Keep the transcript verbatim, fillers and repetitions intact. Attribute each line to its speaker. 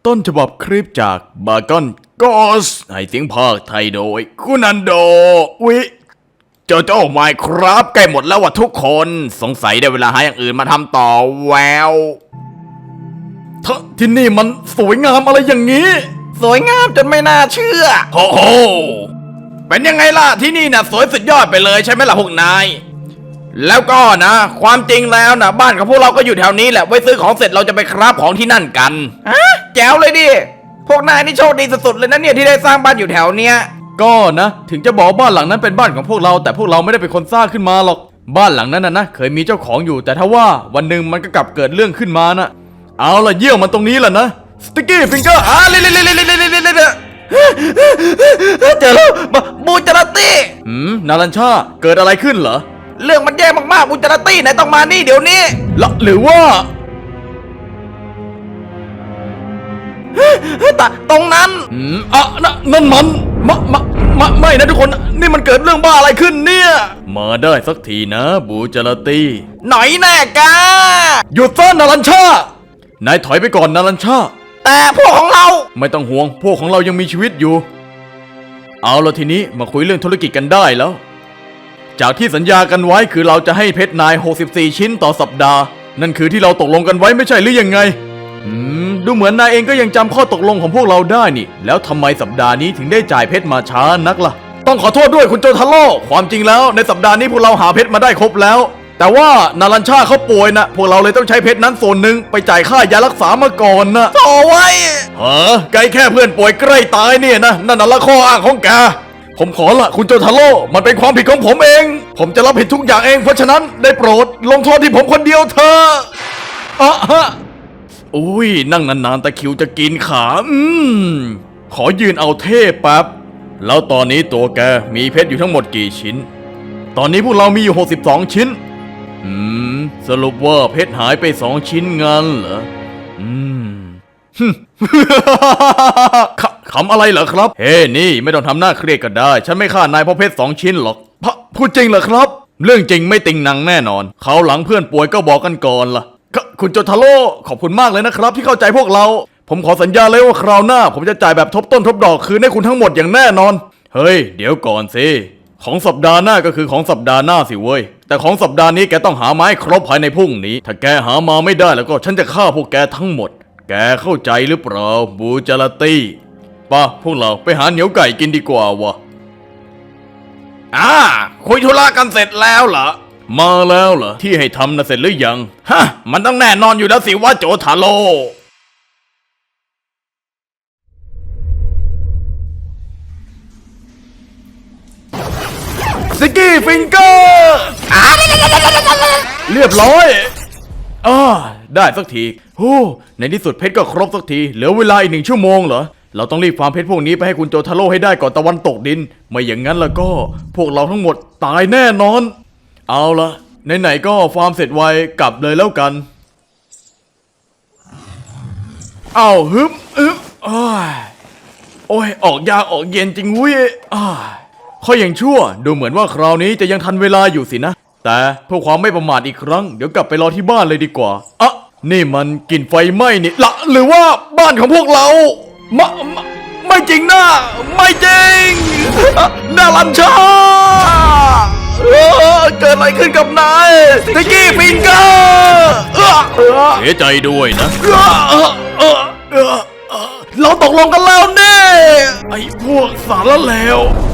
Speaker 1: ต้นฉบับคลิปจากบากอนกอสให้เสียงภาคไทยโดยคุณอันโดวิโจโจ้ไมค์ครับใกล้หมดแล้วว่ะทุกคนสงสัยได้เวลาหาอย่างอื่นมาทำต่อแววทที่นี่มันสวยงามอะไรอย่างนี้สวยงามจนไม่น่าเชื่อโอ้โหเป็นยังไงล่ะที่นี่นะสวยสุดยอดไปเลยใช่ไหมล่ะพวกนายแล้วก็นะความจริงแล้วนะบ้านของพวกเราก็อยู่แถวนี้แหละไว้ซื้อของเสร็จเราจะไปคราฟของที่นั่นกันฮะแจ๋วเลยดิพวกนายนี่โชคดีสุดๆเลยนะเนี่ยที่ได้สร้างบ้านอยู่แถวเนี้ยก็นะถึงจะบอกบ้านหลังนั้นเป็นบ้านของพวกเราแต่พวกเราไม่ได้เป็นคนสร้างขึ้นมาหรอกบ้านหลังนั้นนะนะเคยมีเจ้าของอยู่แต่ถ้าว่าวันหนึ่งมันก็กลับเกิดเรื่องขึ้นมานะเอาล่ะเยี่ยมมันตรงนี้แหละนะสติ๊กกี้ฟิงเกอร์อ่ะเล่เล่เล่เล่เล่เล่เล่เล่เจอแล้วบูจาราตี้หืมนารัญชาเกิดอะไรขึ้นเหรอเรื่องมันแย่มากๆบูจาราตี้ไหนต้องมานี่เดี๋ยวนี้ละหรือว่าตะตรงนั้นอืมอ่ะนั่นนั่นมันมะมะมะไม่นะทุกคนนี่มันเกิดเรื่องบ้าอะไรขึ้นเนี่ยมาได้สักทีนะบูจาราตี้หน่อยแน่กาหยุดซะนารัญชานายถอยไปก่อนนารัญชาแต่พวกของเราไม่ต้องห่วงพวกของเรายังมีชีวิตอยู่เอาละทีนี้มาคุยเรื่องธุรกิจกันได้แล้วจากที่สัญญากันไว้คือเราจะให้เพชรนายหกสิบสี่ชิ้นต่อสัปดาห์นั่นคือที่เราตกลงกันไว้ไม่ใช่หรือยังไงอืมดูเหมือนนายเองก็ยังจำข้อตกลงของพวกเราได้นี่แล้วทำไมสัปดาห์นี้ถึงได้จ่ายเพชรมาช้านักล่ะต้องขอโทษด้วยคุณโจทาโร่ความจริงแล้วในสัปดาห์นี้พวกเราหาเพชรมาได้ครบแล้วแต่ว่านารัญชาเขาป่วยนะพวกเราเลยต้องใช้เพชรนั้นส่วนหนึ่งไปจ่ายค่ายารักษามาก่อนนะต่อไว้เฮ้อไกลแค่เพื่อนป่วยใกล้ตายเนี่ยนะนั่นน่ะละข้ออ้างของแกผมขอละคุณโจทาโร่มันเป็นความผิดของผมเองผมจะรับผิดทุกอย่างเองเพราะฉะนั้นได้โปรดลงโทษที่ผมคนเดียวเถอะอ่ะฮะอุ้ยนั่งนานๆตะคิวจะกินขาอืมขอยืนเอาเทพแป๊บแล้วตอนนี้ตัวแกมีเพชรอยู่ทั้งหมดกี่ชิ้นตอนนี้พวกเรามีอยู่หกสิบสองชิ้นอืมสรุปว่าเพชรหายไปสองชิ้นงั้นเหรออืม ขำอะไรเหรอครับเฮ้ hey, นี่ไม่ต้องทำหน้าเครียดก็ได้ฉันไม่ฆ่านายเพราะเพชรสองชิ้นหรอกพะพูดจริงเหรอครับเรื่องจริงไม่ติงหนังแน่นอนเขาหลังเพื่อนป่วยก็บอกกันก่อนล่ะคุณโจทาโร่ขอบคุณมากเลยนะครับที่เข้าใจพวกเราผมขอสัญญาเลยว่าคราวหน้าผมจะจ่ายแบบทบต้นทบดอกคืนให้คุณทั้งหมดอย่างแน่นอนเฮ้ยเดี๋ยวก่อนสิของสัปดาห์หน้าก็คือของสัปดาห์หน้าสิเว้ยแต่ของสัปดาห์นี้แกต้องหาไม้ครบภายในพรุ่งนี้ถ้าแกหามาไม่ได้แล้วก็ฉันจะฆ่าพวกแกทั้งหมดแกเข้าใจหรือเปล่าบูจาราตี้ป่ะพวกเราไปหาเหนียวไก่กินดีกว่าวะอ่าคุยธุระกันเสร็จแล้วเหรอมาแล้วเหรอที่ให้ทำนะเสร็จหรือยังฮะมันต้องแน่นอนอยู่แล้วสิว่าโจทาโร่สกี้ฟิงเกอร์เรียบร้อยอ่าได้สักทีโอ้ในที่สุดเพชรก็ครบสักทีเหลือเวลาอีกหนึ่งชั่วโมงเหรอเราต้องรีบฟาร์มเพชรพวกนี้ไปให้คุณโจทาโร่ให้ได้ก่อนตะวันตกดินไม่อย่างนั้นแล้วก็พวกเราทั้งหมดตายแน่นอนเอาละไหนๆก็ฟาร์มเสร็จไวกลับเลยแล้วกันเอาฮึบฮึบโอ้ยโอ้ยออกยากออกเย็นจริงเว้ยอ่าข้ออย่างชั่วดูเหมือนว่าคราวนี้จะยังทันเวลาอยู่สินะแต่เพื่อความไม่ประมาทอีกครั้งเดี๋ยวกลับไปรอที่บ้านเลยดีกว่าอ่ะนี่มันกลิ่นไฟไหม้นี่ละหรือว่าบ้านของพวกเราไม่ไม่จริงนะไม่จริงนารัญชาเกิดอะไรขึ้นกับนายสติ๊กกี้ฟิงเกอร์เสียใจด้วยนะเราตกลงกันแล้วนี่ไอ้พวกสารเลว